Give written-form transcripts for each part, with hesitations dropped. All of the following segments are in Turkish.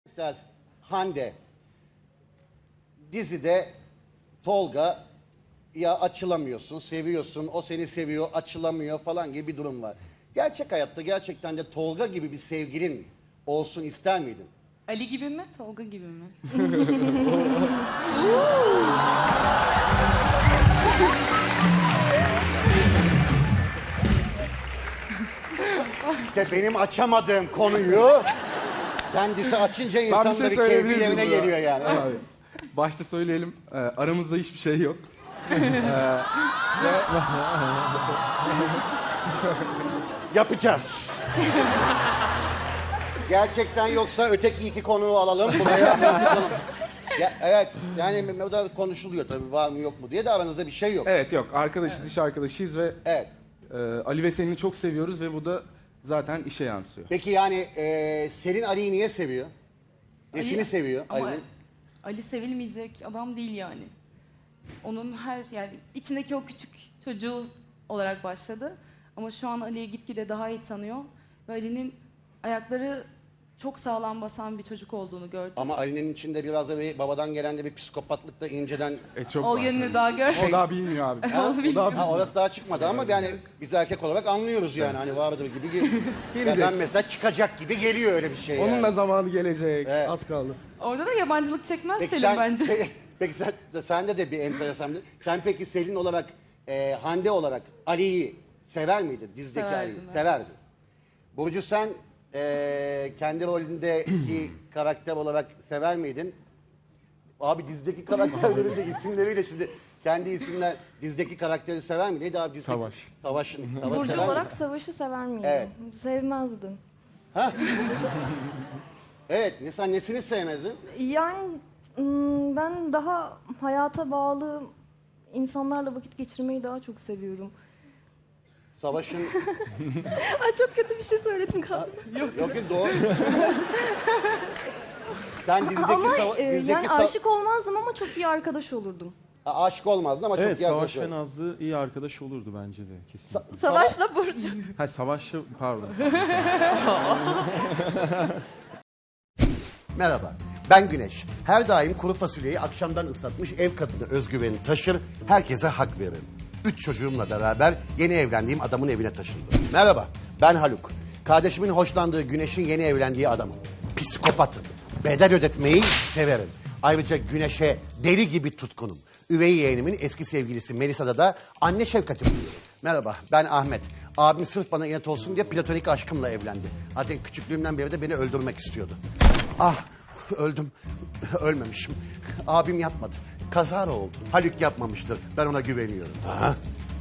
İstersen Hande dizide Tolga ya açılamıyorsun, seviyorsun, o seni seviyor, açılamıyor falan gibi bir durum var. Gerçek hayatta gerçekten de Tolga gibi bir sevgilin olsun ister miydin? Ali gibi mi, Tolga gibi mi? İşte benim açamadığım konuyu kendisi açınca insanların keyfi yerine geliyor yani. Abi, başta söyleyelim, aramızda hiçbir şey yok. Yapacağız. Gerçekten yoksa öteki iki konuğu alalım buraya. Bakalım. Ya, evet yani o da konuşuluyor tabii var mı yok mu diye de aranızda bir şey yok. Evet yok, arkadaşız, iş arkadaşıyız ve Evet. Ali ve Selin'i çok seviyoruz ve bu da zaten işe yansıyor. Peki yani Selin Ali'yi niye seviyor? Nesini Ali- seviyor Ama Ali'nin? Ali sevilmeyecek adam değil yani. Onun yani içindeki o küçük çocuğu olarak başladı. Ama şu an Ali'yi gitgide daha iyi tanıyor. Ve Ali'nin ayakları çok sağlam basan bir çocuk olduğunu gördüm. Ama Ali'nin içinde biraz da bir babadan gelen de bir psikopatlık da inceden... Çok O var yönünü tabii. daha gör. O daha bilmiyor abi. Ha? O daha Ha, orası daha çıkmadı ama yani biz erkek olarak anlıyoruz yani hani vardır gibi. Gelecek. Ben mesela çıkacak gibi geliyor öyle bir şey yani. Onun da zamanı gelecek. Evet. Az kaldı. Orada da yabancılık çekmez Peki Selin sen, bence. peki sende de bir enteresan bir... Sen peki Selin olarak, Hande olarak Ali'yi sever miydin? Dizdeki Severdim, Ali'yi. evet. Severdin. Burcu sen kendi rolündeki karakter olarak sever miydin? Abi dizdeki karakterlerin de isimleriyle şimdi kendi isimler dizdeki karakteri sever mi? Neydi abi dizdeki? Savaş. Savaş Burcu sever olarak miydin? Savaş'ı sever miydim? Evet. Sevmezdim. Evet. Sen nesini sevmezdin? Yani ben daha hayata bağlı insanlarla vakit geçirmeyi daha çok seviyorum. Savaş'ın... Ay çok kötü bir şey söyledim galiba. Yok doğru. Sen dizdeki Ama dizdeki yani aşık olmazdım ama çok iyi arkadaş olurdum. aşık olmazdın ama Evet, çok iyi Savaş ve arkadaş. Nazlı iyi arkadaş olurdu bence de kesinlikle. Savaş'la Burcu. Hayır, Savaş'la pardon. Merhaba, ben Güneş. Her daim kuru fasulyeyi akşamdan ıslatmış ev kadını özgüveni taşır, herkese hak veririm. 3 çocuğumla beraber yeni evlendiğim adamın evine taşındım. Merhaba, ben Haluk. Kardeşimin hoşlandığı Güneş'in yeni evlendiği adamım. Psikopatım. Bedel ödetmeyi severim. Ayrıca Güneş'e deli gibi tutkunum. Üvey yeğenimin eski sevgilisi Melisa'da da anne şefkati buluyorum. Merhaba, ben Ahmet. Abim sırf bana inat olsun diye platonik aşkımla evlendi. Zaten küçüklüğümden beri de beni öldürmek istiyordu. Ah, öldüm. Ölmemişim. Abim yapmadı. Kazara oldu. Haluk yapmamıştır. Ben ona güveniyorum. Aha.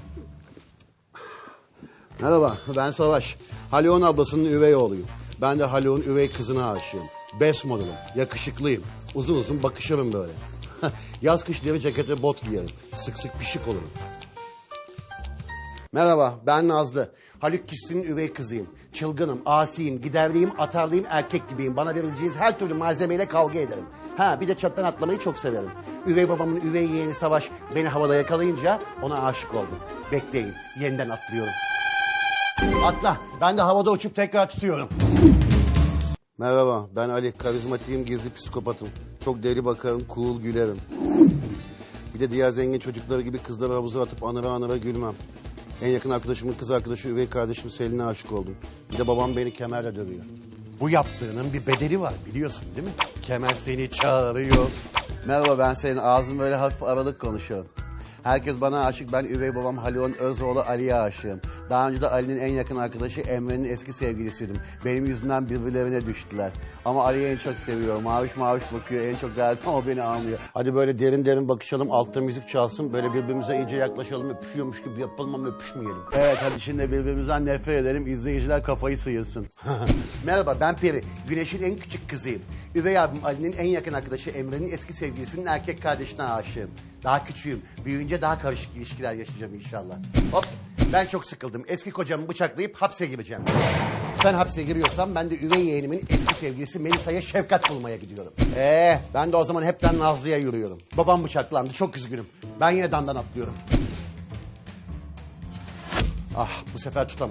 Merhaba, ben Savaş. Haluk'un ablasının üvey oğluyum. Ben de Haluk'un üvey kızına aşığım. Best model'ım, yakışıklıyım. Uzun uzun bakışırım böyle. Yaz kış deri ceket ve bot giyerim. Sık sık pişik olurum. Merhaba, ben Nazlı. Haluk kişisinin üvey kızıyım. Çılgınım, asiyim, giderliyim, atarlıyım, erkek gibiyim. Bana verileceğiniz her türlü malzemeyle kavga ederim. Bir de çattan atlamayı çok severim. Üvey babamın üvey yeğeni Savaş beni havada yakalayınca ona aşık oldum. Bekleyin, yeniden atlıyorum. Atla, ben de havada uçup tekrar tutuyorum. Merhaba, ben Ali. Karizmatiğim, gizli psikopatım. Çok deli bakarım, cool gülerim. Bir de diğer zengin çocukları gibi kızları havuza atıp anıra gülmem. En yakın arkadaşımın kız arkadaşı üvey kardeşim Selin'e aşık oldum. Bir de babam beni kemerle dövüyor. Bu yaptığının bir bedeli var biliyorsun değil mi? Kemer seni çağırıyor. Merhaba, ben Selin. Ağzım böyle hafif aralık konuşuyor. Herkes bana aşık. Ben üvey babam Haluk'un öz oğlu Ali'ye aşığım. Daha önce de Ali'nin en yakın arkadaşı Emre'nin eski sevgilisiydim. Benim yüzümden birbirlerine düştüler. Ama Ali'yi en çok seviyorum. Maviş bakıyor. En çok derdim ama beni almıyor. Hadi böyle derin bakışalım. Altta müzik çalsın. Böyle birbirimize iyice yaklaşalım. Öpüşüyormuş gibi yapalım ama öpüşmeyelim. Evet, hadi şimdi birbirimizden nefret edelim. İzleyiciler kafayı sıyırsın. Merhaba, ben Peri. Güneş'in en küçük kızıyım. Üvey abim Ali'nin en yakın arkadaşı Emre'nin eski sevgilisinin erkek kardeşine aşığım. Daha küçüğüm. Büyüyünce daha karışık ilişkiler yaşayacağım inşallah. Hop, ben çok sıkıldım. Eski kocamı bıçaklayıp hapse gireceğim. Sen hapse giriyorsan ben de üvey yeğenimin eski sevgilisi Melisa'ya şefkat bulmaya gidiyorum. Ben de o zaman hepten Nazlı'ya yürüyorum. Babam bıçaklandı, çok üzgünüm. Ben yine damdan atlıyorum. Ah, bu sefer tutamadım.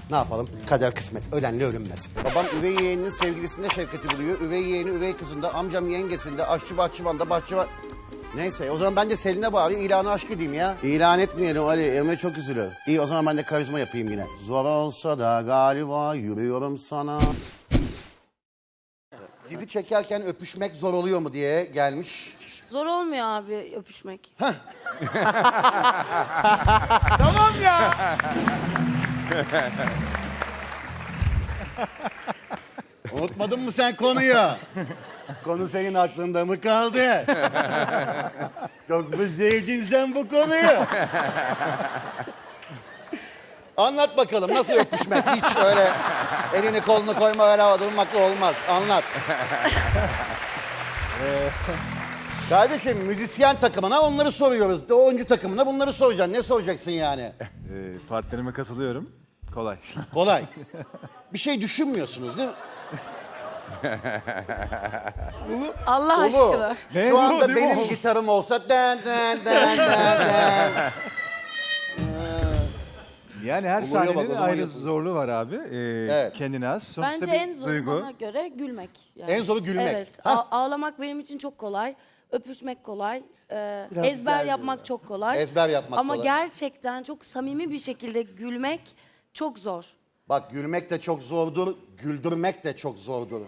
Ne yapalım? Kader kısmet. Ölenle örünmez. Babam üvey yeğeninin sevgilisinde şefkati buluyor. Üvey yeğeni üvey kızında, amcam yengesinde, aşçı bahçıvanda, bahçıvan... Neyse o zaman ben de Selin'e bari ilanı aşk edeyim ya. İlan etmeyelim Ali. Emre çok üzülür. İyi o zaman ben de karizma yapayım yine. Zor olsa da galiba yürüyorum sana. Dizi çekerken öpüşmek zor oluyor mu diye gelmiş. Zor olmuyor abi öpüşmek. Tamam ya. Unutmadın mı sen konuyu? Konu senin aklında mı kaldı? Çok mu sevdin sen bu konuyu? Anlat bakalım nasıl öpüşmek? Hiç öyle elini kolunu koyma öyle havada durmakla olmaz. Anlat. Kardeşim müzisyen takımına onları soruyoruz. Oyuncu takımına bunları soracaksın. Ne soracaksın yani? Partnerime katılıyorum. Kolay. Kolay. Bir şey düşünmüyorsunuz değil mi? Allah Ulu. aşkına. Şu anda benim gitarım olsa den den den den den. Yani her Oluyor bak, o sahnenin zaman ayrı yapın. zorluğu var abi. Evet. Kendine az. Sonuçta Bence bir en zoru duygu. bana göre gülmek. Yani. En zoru gülmek. Evet. Ha? Ağlamak benim için çok kolay. Öpüşmek kolay. Ezber yapmak çok kolay. Ezber yapmak Ama kolay. gerçekten çok samimi bir şekilde gülmek çok zor. Bak gülmek de çok zordur, güldürmek de çok zordur.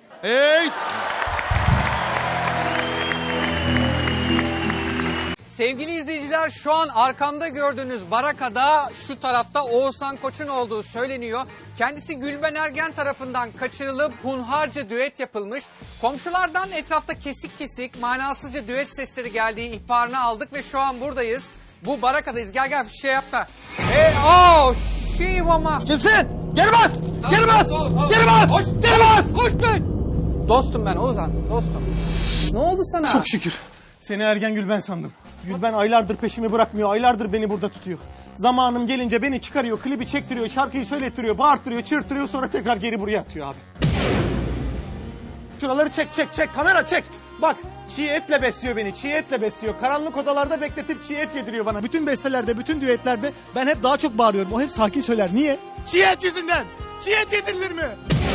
Sevgili izleyiciler şu an arkamda gördüğünüz barakada şu tarafta Oğuzhan Koç'un olduğu söyleniyor. Kendisi Gülben Ergen tarafından kaçırılıp hunharca düet yapılmış. Komşulardan etrafta kesik kesik manasızca düet sesleri geldiği ihbarını aldık ve şu an buradayız. Bu barakadayız. Gel gel bir şey yap da. Şivama. Kimsin? Geri bas! Geri bas! Geri bas! Hoş, Geri bas! hoş be! Dostum ben Oğuzhan, dostum. Ne oldu sana? Çok şükür. Seni Ergen Gülben sandım. Gülben aylardır peşimi bırakmıyor, aylardır beni burada tutuyor. Zamanım gelince beni çıkarıyor, klibi çektiriyor, şarkıyı söylettiriyor, bağırttırıyor, çığırttırıyor, sonra tekrar geri buraya atıyor abi. Şuraları çek, kamera çek. Bak, çiğ etle besliyor beni, çiğ etle besliyor. Karanlık odalarda bekletip çiğ et yediriyor bana. Bütün bestelerde, bütün düetlerde ben hep daha çok bağırıyorum. O hep sakin söyler. Niye? Çiğ et yüzünden. Çiğ et yedirilir mi?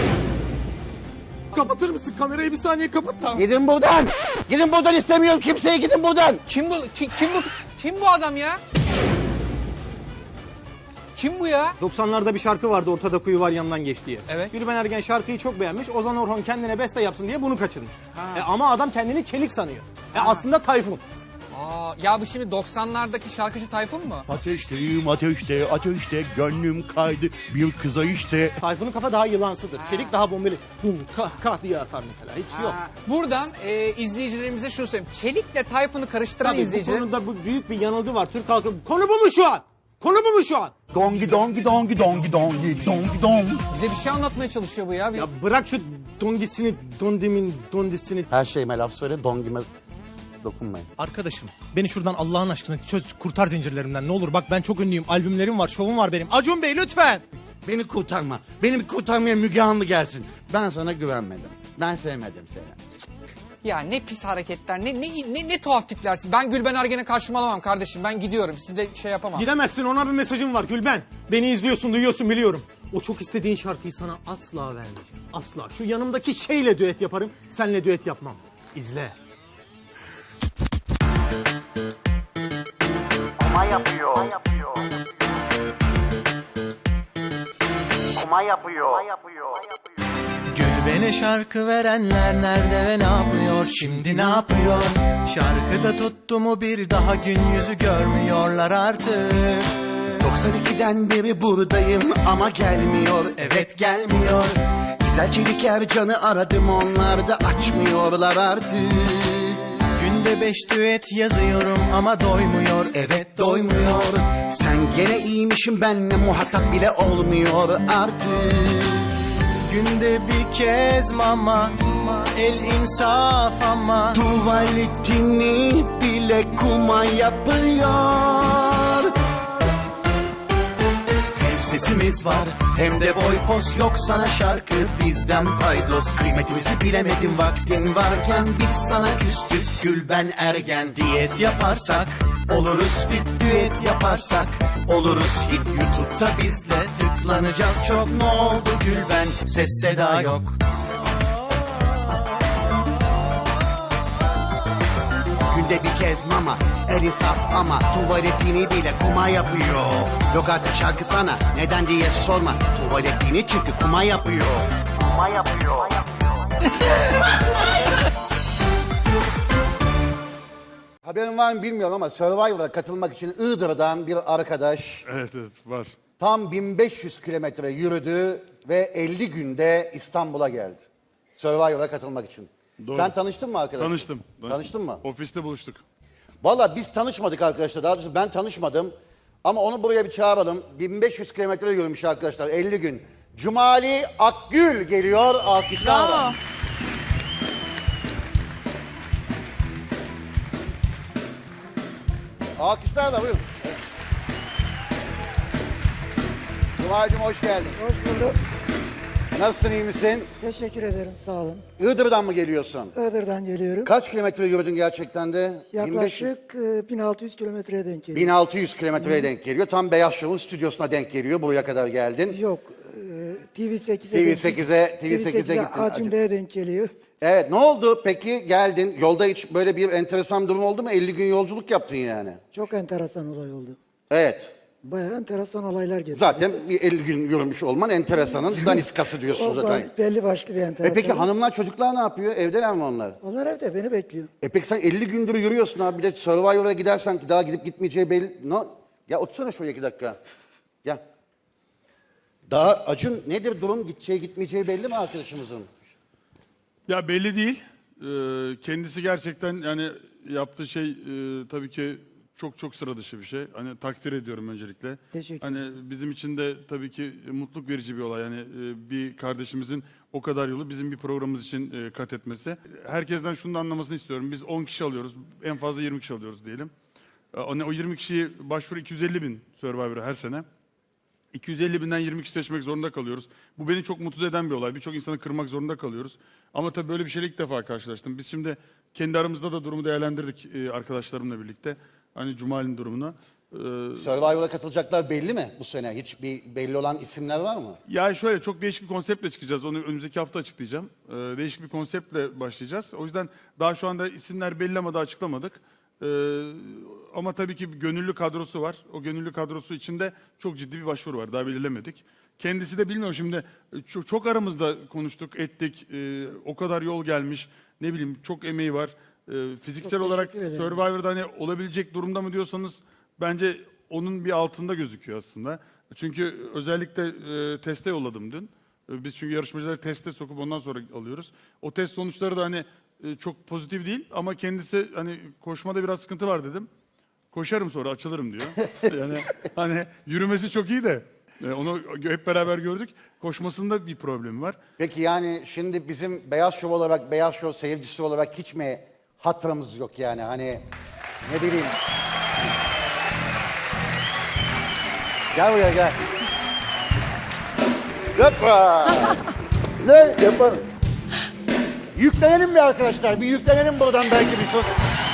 Kapatır mısın? Kamerayı bir saniye kapat. Tamam. Gidin buradan! Gidin buradan istemiyorum kimseyi gidin buradan! Kim bu adam ya? Kim bu ya? 90'larda bir şarkı vardı Ortada Kuyu Var Yanından Geç diye. Evet. Gülben Ergen şarkıyı çok beğenmiş. Ozan Orhon kendine beste yapsın diye bunu kaçırmış. Ama adam kendini Çelik sanıyor. Aslında Tayfun. Ya bu şimdi 90'lardaki şarkıcı Tayfun mu? Ateşteyim ateşte, ateşte gönlüm kaydı bir kıza işte. Tayfun'un kafa daha yılansıdır. Çelik daha bombeli. Hum, kah diye atar mesela. Hiç yok. Buradan izleyicilerimize şunu söyleyeyim. Çelik'le Tayfun'u karıştıran Tabii bu izleyiciler... konuda büyük bir yanılgı var. Türk halkı. Konu bu mu şu an? Konu bu mu şu an? Dongi dongi dongi dongi dongi dongi dong. Bize bir şey anlatmaya çalışıyor bu ya. Ya bırak şu dongisini, dondisini. Her şeyime laf söyle, dongime dokunmayın. Arkadaşım beni şuradan Allah'ın aşkına çöz, kurtar zincirlerimden ne olur. Bak ben çok ünlüyüm. Albümlerim var, şovum var benim. Acun Bey lütfen. Beni kurtarma. Beni kurtarmaya Müge Anlı gelsin. Ben sana güvenmedim. Ben sevmedim seni. Ya ne pis hareketler, ne tuhaf tiplersin. Ben Gülben Ergen'e karşıma alamam kardeşim. Ben gidiyorum. Siz de şey yapamam. Gidemezsin, ona bir mesajım var Gülben. Beni izliyorsun, duyuyorsun, biliyorum. O çok istediğin şarkıyı sana asla vermeyeceğim. Asla. Şu yanımdaki şeyle düet yaparım, senle düet yapmam. İzle. Kuma yapıyor. Gülben'e şarkı verenler nerede ve ne yapıyor? Şimdi ne yapıyor? Şarkıda tuttu mu bir daha gün yüzü görmüyorlar artık. 92'den beri buradayım ama gelmiyor. Evet gelmiyor. Güzel Çelik Ercan'ı aradım, onlar da açmıyorlar artık. Günde 5 düet yazıyorum ama doymuyor. Evet doymuyor. Sen gene iyiymişim, benle muhatap bile olmuyor artık. Günde bir kez mama, el insaf ama. Tuvaletini bile kuma yapıyor. Hem sesimiz var hem de boy pos yok sana şarkı bizden paydos. Kıymetimizi bilemedim vaktin varken biz sana küstük Gülben Ergen. Diyet yaparsak Oluruz fit düet yaparsak. Oluruz hit YouTube'da bizle tıklanacağız çok. Ne oldu Gülben, ses seda yok. Günde bir kez mama, el insaf ama tuvaletini bile kuma yapıyor. Yok artık şarkı sana, neden diye sorma. Tuvaletini çünkü kuma yapıyor. Kuma yapıyor. Haberin var mı bilmiyorum ama Survivor'a katılmak için Iğdır'dan bir arkadaş Evet var. tam 1500 kilometre yürüdü ve 50 günde İstanbul'a geldi. Survivor'a katılmak için. Doğru. Sen tanıştın mı arkadaşım? Tanıştım. Tanıştın mı? Ofiste buluştuk. Valla biz tanışmadık arkadaşlar. Daha doğrusu ben tanışmadım. Ama onu buraya bir çağıralım. 1500 kilometre yürümüş arkadaşlar 50 gün. Cumali Akgül geliyor alkışlarla. Alkışlarla buyurun. Cumali'cim hoş geldin. Hoş bulduk. Nasılsın, iyi misin? Teşekkür ederim, sağ olun. Iğdır'dan mı geliyorsun? Iğdır'dan geliyorum. Kaç kilometre yürüdün gerçekten de? 1500. Yaklaşık 1600 kilometreye denk geliyor. 1600 kilometreye denk geliyor. Tam Beyaz Show'un stüdyosuna denk geliyor. Buraya kadar geldin. Yok, TV8'e TV8'e gittin. Acun Bey'e denk geliyor. Evet, ne oldu peki geldin? Yolda hiç böyle bir enteresan durum oldu mu? 50 gün yolculuk yaptın yani. Çok enteresan olay oldu. Evet. Bayağı enteresan olaylar geçti. Zaten bir 50 gün yürümüş olman enteresanın daniskası diyorsun zaten. Belli başlı bir enteresan. Peki hanımlar çocuklar ne yapıyor? Evdeler mi onlar? Onlar evde beni bekliyor. Peki sen 50 gündür yürüyorsun abi. Bir de Survivor'a gidersen ki daha gidip gitmeyeceği belli. No. Ya otursana şuraya 2 dakika. Gel. Daha Acun nedir durum? Gideceği gitmeyeceği belli mi arkadaşımızın? Ya belli değil. Kendisi gerçekten yani yaptığı şey tabii ki çok sıra dışı bir şey. Hani takdir ediyorum öncelikle. Teşekkür Hani bizim için de tabii ki mutluluk verici bir olay. Yani bir kardeşimizin o kadar yolu bizim bir programımız için kat etmesi. Herkesten şunu da anlamasını istiyorum. Biz 10 kişi alıyoruz. En fazla 20 kişi alıyoruz diyelim. O 20 kişiyi başvuru 250 bin Survivor'a her sene. 250 binden 20 kişi seçmek zorunda kalıyoruz. Bu beni çok mutsuz eden bir olay. Birçok insanı kırmak zorunda kalıyoruz. Ama tabii böyle bir şeyle ilk defa karşılaştım. Biz şimdi kendi aramızda da durumu değerlendirdik arkadaşlarımla birlikte. Hani Cumali'nin durumuna. Survivor'a katılacaklar belli mi bu sene? Hiç bir belli olan isimler var mı? Ya şöyle çok değişik bir konseptle çıkacağız. Onu önümüzdeki hafta açıklayacağım. Değişik bir konseptle başlayacağız. O yüzden daha şu anda isimler belli ama daha açıklamadık. Ama tabii ki bir gönüllü kadrosu var. O gönüllü kadrosu içinde çok ciddi bir başvuru var. Daha belirlemedik. Kendisi de bilmiyorum şimdi çok aramızda konuştuk, ettik. O kadar yol gelmiş. Ne bileyim çok emeği var. Fiziksel Çok olarak teşekkür ederim. Survivor'da hani olabilecek durumda mı diyorsanız bence onun bir altında gözüküyor aslında. Çünkü özellikle teste yolladım dün. Biz çünkü yarışmacıları teste sokup ondan sonra alıyoruz. O test sonuçları da hani çok pozitif değil ama kendisi hani koşmada biraz sıkıntı var dedim. Koşarım sonra açılırım diyor. Yani hani yürümesi çok iyi de onu hep beraber gördük. Koşmasında bir problemi var. Peki yani şimdi bizim Beyaz Show olarak, Beyaz Show seyircisi olarak hiç mi hatırımız yok yani? Hani ne bileyim. Gel buraya gel. Hoppa. Ne yapalım? Yüklenelim mi arkadaşlar? Bir yüklenelim buradan belki bir sos.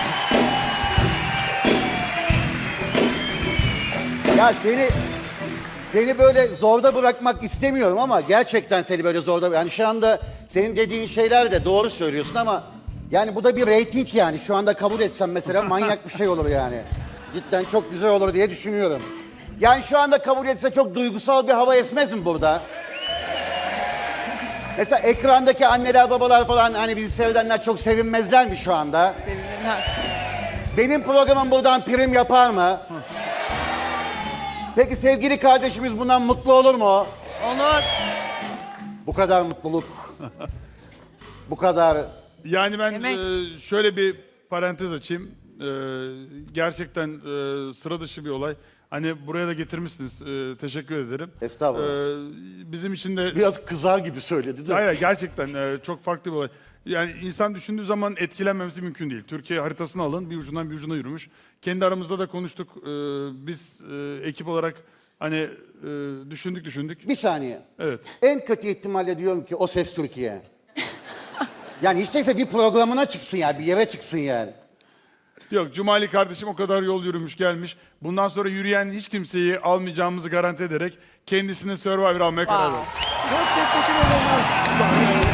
Ya seni böyle zorda bırakmak istemiyorum ama gerçekten seni böyle zorda... Yani şu anda senin dediğin şeyler de doğru söylüyorsun ama... Yani bu da bir reyting yani. Şu anda kabul etsem mesela manyak bir şey olur yani. Cidden çok güzel olur diye düşünüyorum. Yani şu anda kabul etse çok duygusal bir hava esmez mi burada? Mesela ekrandaki anneler babalar falan hani bizi seyredenler çok sevinmezler mi şu anda? Sevinirler. Benim programım buradan prim yapar mı? Peki sevgili kardeşimiz bundan mutlu olur mu? Olur. Bu kadar mutluluk. Bu kadar... Yani ben Demek. şöyle bir parantez açayım. Gerçekten sıra dışı bir olay. Hani buraya da getirmişsiniz. Teşekkür ederim. Estağfurullah. Bizim için de... Biraz kızar gibi söyledi değil mi? Hayır gerçekten çok farklı bir olay. Yani insan düşündüğü zaman etkilenmemesi mümkün değil. Türkiye haritasını alın bir ucundan bir ucuna yürümüş. Kendi aramızda da konuştuk. Biz ekip olarak hani düşündük. Bir saniye. Evet. En kötü ihtimalle diyorum ki O Ses Türkiye. Yani hiç değilse bir programına çıksın yani, bir yere çıksın yani. Yok, Cumali kardeşim o kadar yol yürümüş gelmiş. Bundan sonra yürüyen hiç kimseyi almayacağımızı garanti ederek kendisine Survivor almaya karar verdi. Çok teşekkür ederim.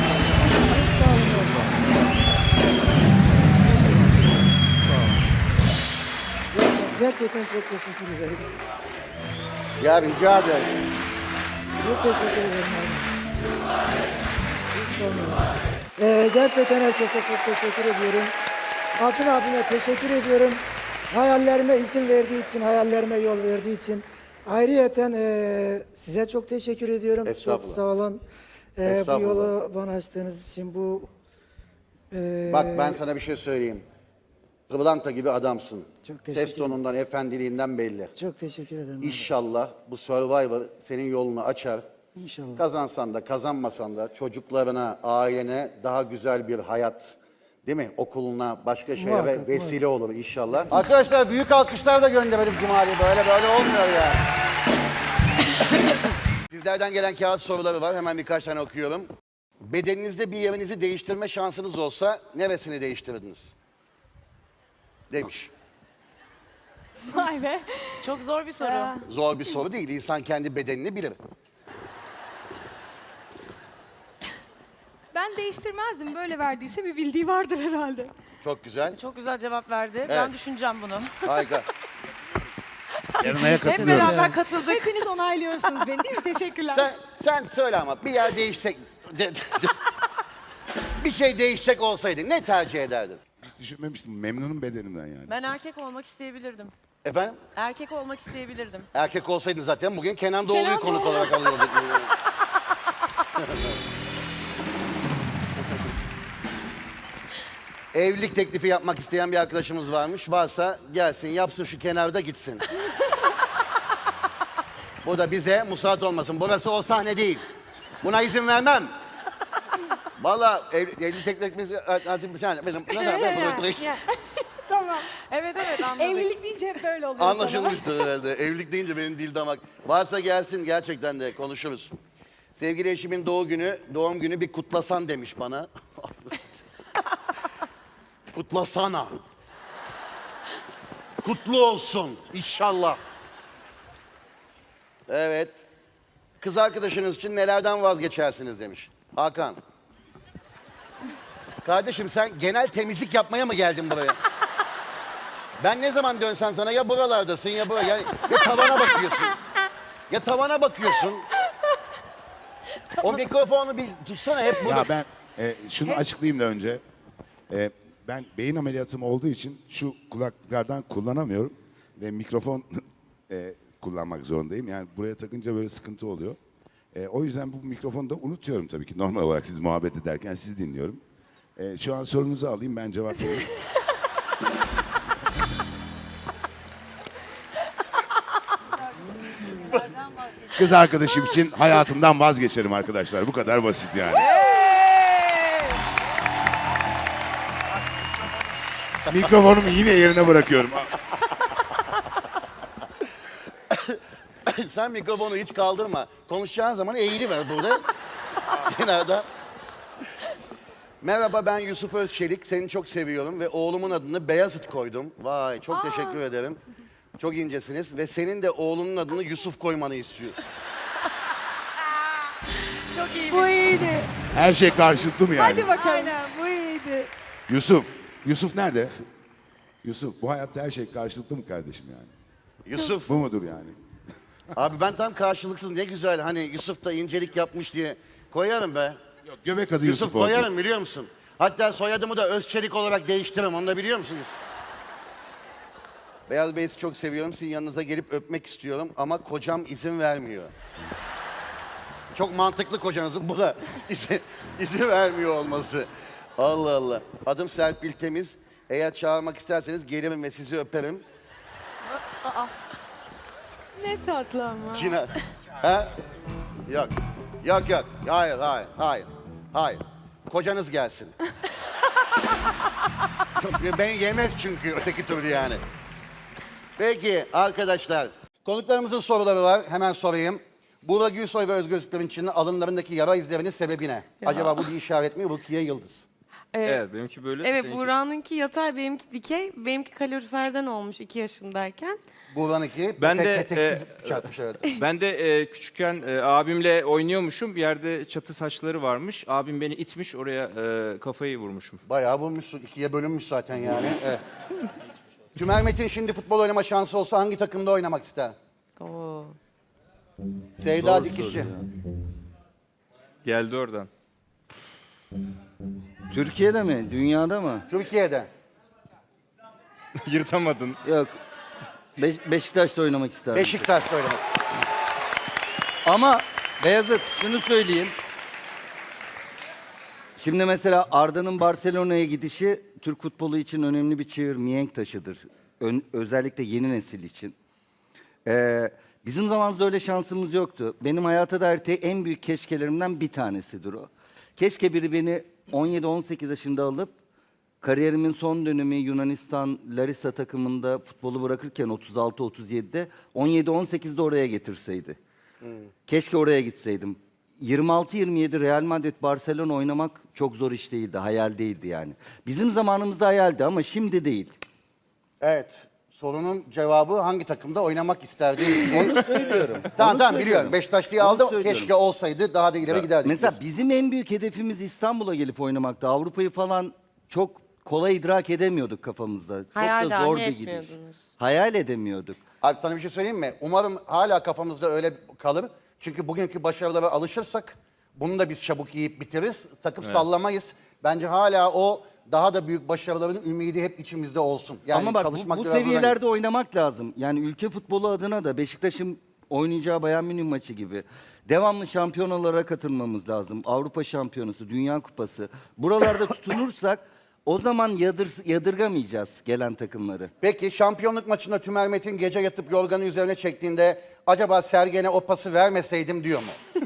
Gerçekten çok teşekkür ederim. Ya rica ederim. Çok teşekkür ederim abi. Hiç sormayın. Gerçekten herkese çok teşekkür ediyorum. Altın abime teşekkür ediyorum. Hayallerime izin verdiği için, hayallerime yol verdiği için. Ayrıyeten size çok teşekkür ediyorum. Çok Estağfurullah. sağ olun. Bu Estağfurullah. yolu bana açtığınız için bu... Bak ben sana bir şey söyleyeyim. Pırlanta gibi adamsın. Çok teşekkür Ses tonundan, efendiliğinden belli. Çok teşekkür ederim. abi. İnşallah bu Survivor senin yolunu açar. İnşallah. Kazansan da kazanmasan da çocuklarına, ailene daha güzel bir hayat, değil mi? Okuluna, başka şeylere Muhakkak, vesile olur inşallah. Arkadaşlar büyük alkışlar da gönderelim Cumali. Böyle olmuyor ya. Sizlerden gelen kağıt soruları var. Hemen birkaç tane okuyorum. Bedeninizde bir yerinizi değiştirme şansınız olsa neresini değiştirirdiniz? Demiş. Vay be. Çok zor bir soru. Zor bir soru değil. İnsan kendi bedenini bilir. Ben değiştirmezdim. Böyle verdiyse bir bildiği vardır herhalde. Çok güzel. Çok güzel cevap verdi. Ben düşüneceğim bunu. Harika. Yarınaya Hep beraber katıldık. Hepiniz onaylıyorsunuz beni değil mi? Teşekkürler. Sen söyle ama bir yer değişsek... bir şey değişecek olsaydı ne tercih ederdin? Hiç düşünmemiştim. Memnunum bedenimden yani. Ben erkek olmak isteyebilirdim. Efendim? Erkek olmak isteyebilirdim. Erkek olsaydın zaten bugün Kenan Doğulu'yu konuk olarak alıyorduk. Evlilik teklifi yapmak isteyen bir arkadaşımız varmış. Varsa gelsin, yapsın şu kenarda gitsin. Bu da bize musallat olmasın. Burası o sahne değil. Buna izin vermem. Vallahi evlilik teklifimiz... Tamam. Evet anladık. Evlilik deyince hep böyle oluyor sana. Anlaşılmıştır herhalde. Evlilik deyince benim dil damak. Varsa gelsin gerçekten de konuşuruz. Sevgili eşimin doğum günü bir kutlasan demiş bana. Kutlasana. Kutlu olsun inşallah. Evet. Kız arkadaşınız için nelerden vazgeçersiniz demiş. Hakan. Kardeşim sen genel temizlik yapmaya mı geldin buraya? Ben ne zaman dönsem sana ya buralardasın ya buraya. Ya tavana bakıyorsun. Ya tavana bakıyorsun. O mikrofonu bir tutsana hep burada. Ya ben şunu açıklayayım da önce. Ben beyin ameliyatım olduğu için şu kulaklardan kullanamıyorum. Ve mikrofon kullanmak zorundayım. Yani buraya takınca böyle sıkıntı oluyor. O yüzden bu mikrofonu da unutuyorum tabii ki. Normal olarak siz muhabbet ederken sizi dinliyorum. Şu an sorunuzu alayım ben cevap vereyim. Kız arkadaşım için hayatımdan vazgeçerim arkadaşlar. Bu kadar basit yani. Mikrofonumu yine yerine bırakıyorum. Sen mikrofonu hiç kaldırma. Konuşacağın zaman eğri ver burada. Kenarda. Merhaba ben Yusuf Özçelik. Seni çok seviyorum ve oğlumun adını Beyazıt koydum. Vay çok teşekkür ederim. Çok incesiniz ve senin de oğlunun adını Yusuf koymanı istiyor. Çok iyi. Bu iyiydi. Her şey karşılıklı mı yani? Hadi bakalım. Aynen bu iyiydi. Yusuf nerede? Yusuf bu hayatta her şey karşılıklı mı kardeşim yani? Yusuf. Bu mudur yani? Abi ben tam karşılıksız ne güzel hani Yusuf da incelik yapmış diye koyarım be. Yok, göbek adı Yusuf olsun. Koyarım biliyor musun? Hatta soyadımı da Özçelik olarak değiştiririm onu da biliyor musunuz? Beyaz Bey'i çok seviyorum. Sizin yanınıza gelip öpmek istiyorum ama kocam izin vermiyor. Çok mantıklı kocanızın buna izin vermiyor olması. Allah Allah. Adım Serpil Temiz. Eğer çağırmak isterseniz gelirim ve sizi öperim. Ne tatlı ama. Cina. Ha? Yok. Yok. Hayır. Kocanız gelsin. Ben yemez çünkü öteki türlü yani. Peki arkadaşlar. Konuklarımızın soruları var. Hemen sorayım. Burak Gülsoy ve Özgür Pirinç'in alınlarındaki yara izlerinin sebebi ne? Acaba bu bir işaret mi? Rukiye Yıldız. Evet benimki böyle. Evet, seninki- Buğra'nınki yatay, benimki dikey. Benimki kaloriferden olmuş 2 yaşındayken. Buğra'nın iki Ben de, peteksiz çarpmış evet. Ben de küçükken abimle oynuyormuşum. Bir yerde çatı saçları varmış. Abim beni itmiş oraya kafayı vurmuşum. Bayağı vurmuşsun. İkiye bölünmüş zaten yani. Evet. Tümer Metin şimdi futbol oynama şansı olsa hangi takımda oynamak ister? Oo. Sevda Dikişçi. Geldi oradan. Türkiye'de mi? Dünyada mı? Türkiye'de. Yırtamadın. Yok. Beşiktaş'ta oynamak isterdim. Beşiktaş'ta oynamak. Ama Beyazıt şunu söyleyeyim. Şimdi mesela Arda'nın Barcelona'ya gidişi Türk futbolu için önemli bir çığır, mihenk taşıdır. Özellikle yeni nesil için. Bizim zamanımızda öyle şansımız yoktu. Benim hayata dair en büyük keşkelerimden bir tanesidir o. Keşke biri beni 17-18 yaşında alıp kariyerimin son dönemi Yunanistan Larissa takımında futbolu bırakırken 36-37'de 17-18'de oraya getirseydi. Keşke oraya gitseydim. 26-27 Real Madrid Barcelona oynamak çok zor iş değildi, hayal değildi yani. Bizim zamanımızda hayaldi ama şimdi değil. Evet. Sorunun cevabı hangi takımda oynamak isterdi? Onu söylüyorum. Tamam biliyorum. Beşiktaşlı'yı aldı. söylüyorum. Keşke olsaydı daha da ileri giderdik. Mesela bizim en büyük hedefimiz İstanbul'a gelip oynamakta. Avrupa'yı falan çok kolay idrak edemiyorduk kafamızda. Hayal çok da dahi zor bir gidiş. etmiyordunuz. Hayal edemiyorduk. Abi sana bir şey söyleyeyim mi? Umarım hala kafamızda öyle kalır. Çünkü bugünkü başarılara alışırsak bunu da biz çabuk yiyip bitiririz. Takıp sallamayız. Bence hala o daha da büyük başarıların ümidi hep içimizde olsun. Yani Ama bak çalışmak bu biraz önemli. seviyelerde oynamak lazım. Yani ülke futbolu adına da Beşiktaş'ın oynayacağı Bayern Münih maçı gibi devamlı şampiyonalara katılmamız lazım. Avrupa Şampiyonası, Dünya Kupası. Buralarda tutunursak o zaman yadırgamayacağız gelen takımları. Peki şampiyonluk maçında Tümer Metin gece yatıp yorganı üzerine çektiğinde acaba Sergen'e o pası vermeseydim diyor mu?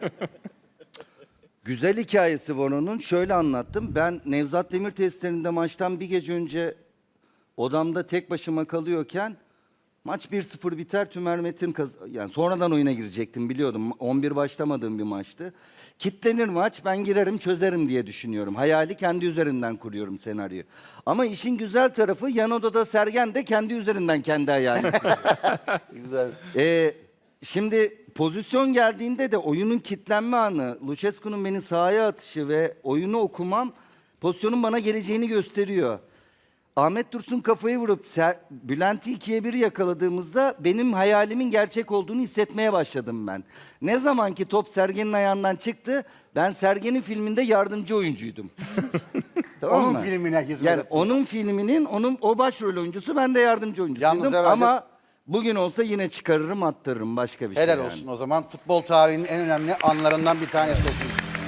Güzel hikayesi var onun. Şöyle anlattım. Ben Nevzat Demir testlerinde maçtan bir gece önce odamda tek başıma kalıyorken maç 1-0 biter. Tümer Metin yani sonradan oyuna girecektim biliyordum. 11 başlamadığım bir maçtı. Kitlenir maç, ben girerim çözerim diye düşünüyorum. Hayali kendi üzerinden kuruyorum senaryoyu. Ama işin güzel tarafı yan odada Sergen de kendi üzerinden kendi hayali. Güzel. Şimdi pozisyon geldiğinde de oyunun kitlenme anı, Lucescu'nun beni sahaya atışı ve oyunu okumam pozisyonun bana geleceğini gösteriyor. Ahmet Dursun kafayı vurup Bülent'i 2'ye 1 yakaladığımızda benim hayalimin gerçek olduğunu hissetmeye başladım ben. Ne zaman ki top Sergen'in ayağından çıktı, ben Sergen'in filminde yardımcı oyuncuydum. Tamam Onun mı? filmine hizmet Yani ettin. onun filminin, o başrol oyuncusu, ben de yardımcı oyuncusuydum. Yalnız herhalde- Ama bugün olsa yine çıkarırım attırırım, başka bir şey Helal yani. olsun o zaman. Futbol tarihinin en önemli anlarından bir tanesi olsun.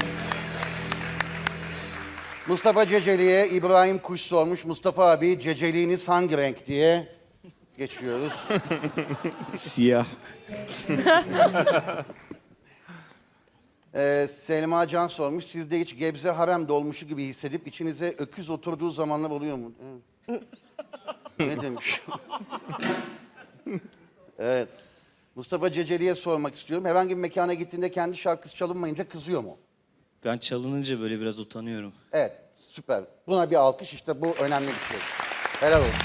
Mustafa Ceceli'ye İbrahim Kuş sormuş. Mustafa abi ceceliğiniz hangi renk diye geçiyoruz. Siyah. Selma Can sormuş. Sizde hiç Gebze harem dolmuşu gibi hissedip içinize öküz oturduğu zamanlar oluyor mu? Ne demiş? Evet. Mustafa Ceceli'ye sormak istiyorum. Herhangi bir mekana gittiğinde kendi şarkısı çalınmayınca kızıyor mu? Ben çalınınca böyle biraz utanıyorum. Evet, süper. Buna bir alkış, işte bu önemli bir şey. Helal olsun.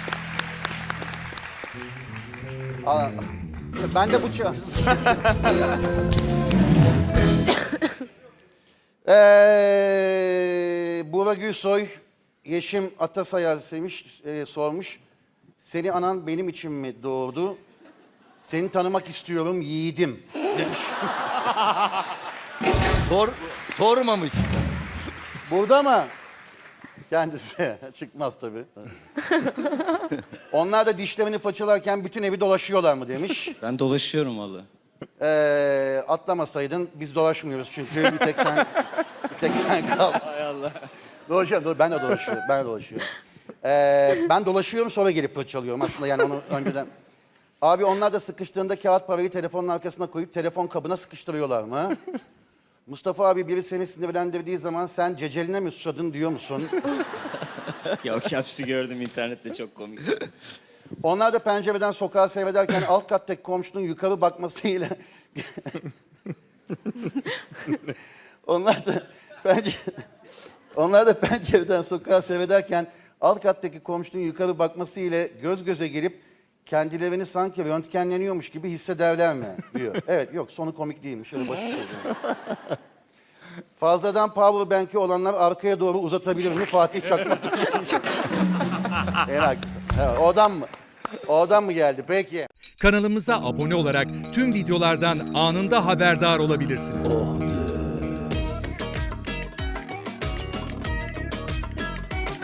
Aa, ben de bu Burak Gülsoy, Yeşim Atasayar sormuş. Seni anan benim için mi doğurdu? Seni tanımak istiyorum yiğidim. Demiş. Sormamış. Burada mı? Kendisi. Çıkmaz tabii. Onlar da dişlerini fırçalarken bütün evi dolaşıyorlar mı demiş. Ben dolaşıyorum valla. Atlamasaydın biz dolaşmıyoruz çünkü bir tek sen kal. Hay Allah. Dolaşıyorum, ben de dolaşıyorum. Ben dolaşıyorum sonra gelip fırçalıyorum aslında yani onu önceden. Abi onlar da sıkıştığında kağıt parayı telefonun arkasına koyup telefon kabına sıkıştırıyorlar mı? Mustafa abi biri seni sinirlendirdiği zaman sen ceceline mi susadın diyor musun? Ya o caps'i gördüm internette, çok komik. Onlar da pencereden sokağı seyrederken alt kattaki komşunun yukarı bakmasıyla... Onlar da Onlar da pencereden sokağa seyrederken alt kattaki komşunun yukarı bakması ile göz göze gelip kendilerini sanki röntgenleniyormuş gibi hissederler mi diyor. Evet, yok, sonu komik değilmiş. Şöyle basit söyleyeyim. Fazladan power bank'i olanlar arkaya doğru uzatabilir mi? Fatih Çakmak. Evet, oradan mı? Oradan mı geldi? Peki. Kanalımıza abone olarak tüm videolardan anında haberdar olabilirsiniz.